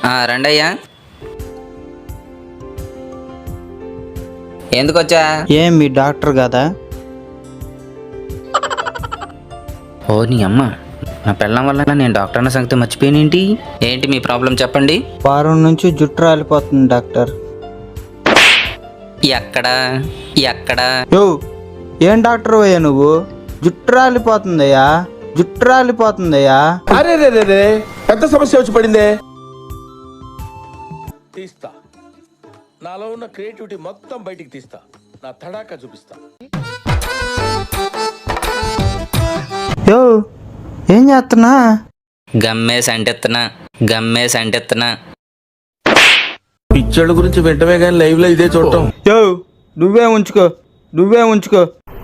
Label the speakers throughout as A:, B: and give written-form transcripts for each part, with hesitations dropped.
A: రండయ్యా. ఎందుకు వచ్చా?
B: ఏం మీ డాక్టర్ కదా?
A: ఓ నీ అమ్మ, నా పెళ్ళం వల్ల నేను డాక్టర్ అన్న సంగతి మర్చిపోయినేంటి? ఏంటి మీ ప్రాబ్లం చెప్పండి.
B: వారం నుంచి జుట్టు రాలిపోతుంది డాక్టర్.
A: ఎక్కడా ఎక్కడా?
B: యో, ఏం డాక్టర్ అయ్యా నువ్వు? జుట్టు రాలిపోతుందయ్యా, జుట్టు రాలిపోతుందయ్యా.
C: అరే రే రే రే, పెద్ద సమస్య వచ్చి పడిందే. తీస్తా, నాలో ఉన్న క్రియేటివిటీ మొత్తం బయటికి తీస్తా, నా తడాకా చూపిస్తా.
B: యో, ఏం చేస్తున్నా?
A: గమ్మేసి అంటెత్తున్నా.
C: పిచ్చోళ్ళ గురించి వెంటనే కానీ లైవ్ లో ఇదే చూడటం.
B: యో, నువ్వే ఉంచుకో.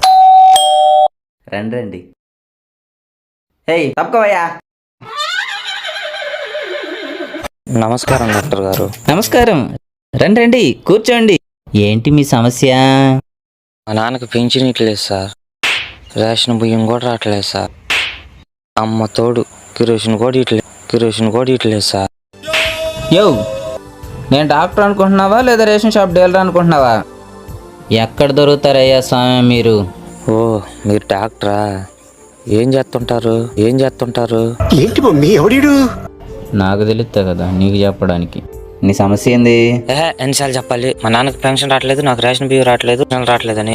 A: రండి. హేయ్ తప్పుకోవయ్యా. నమస్కారం డాక్టర్ గారు. నమస్కారం. రండి కూర్చోండి. ఏంటి మీ సమస్య?
D: మా నాన్నకి పింఛన్ ఇట్లేదు సార్, రేషన్ బియ్యం కూడా రావట్లేదు సార్, అమ్మ తోడు కిరోసిన్ కూడా ఇట్లేదు సార్.
A: యో, నేను డాక్టర్ అనుకుంటున్నావా లేదా రేషన్ షాప్ డీలర్ అనుకుంటున్నావా? ఎక్కడ దొరుకుతారయ్యా స్వామి మీరు?
D: ఓ మీరు డాక్టరా? ఏం చేస్తుంటారు?
C: ఏంటి మమ్మీ ఎవడీడు?
A: నాకు తెలుస్తా కదా నీకు చెప్పడానికి. నీ సమస్య ఏంది?
D: ఎన్నిసార్లు చెప్పాలి? మా నాన్నకి పెన్షన్ రావట్లేదు, నాకు రేషన్ బియ్యం రావట్లేదని.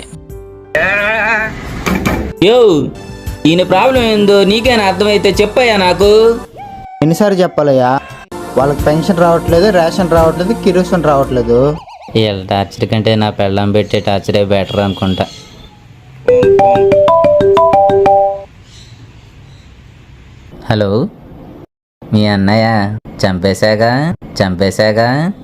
A: యో, ఈయన ప్రాబ్లం ఏందో నీకైనా అర్థమైతే చెప్పయ్యా నాకు.
B: ఎన్నిసార్లు చెప్పాలయ్యా? వాళ్ళకి పెన్షన్ రావట్లేదు, రేషన్ రావట్లేదు, కిరోసిన్ రావట్లేదు.
A: వీళ్ళ టార్చర్ కంటే నా పెళ్ళం పెట్టే టార్చరే బెటర్ అనుకుంటా. హలో, మీ అన్నయ్య చంపేశాగా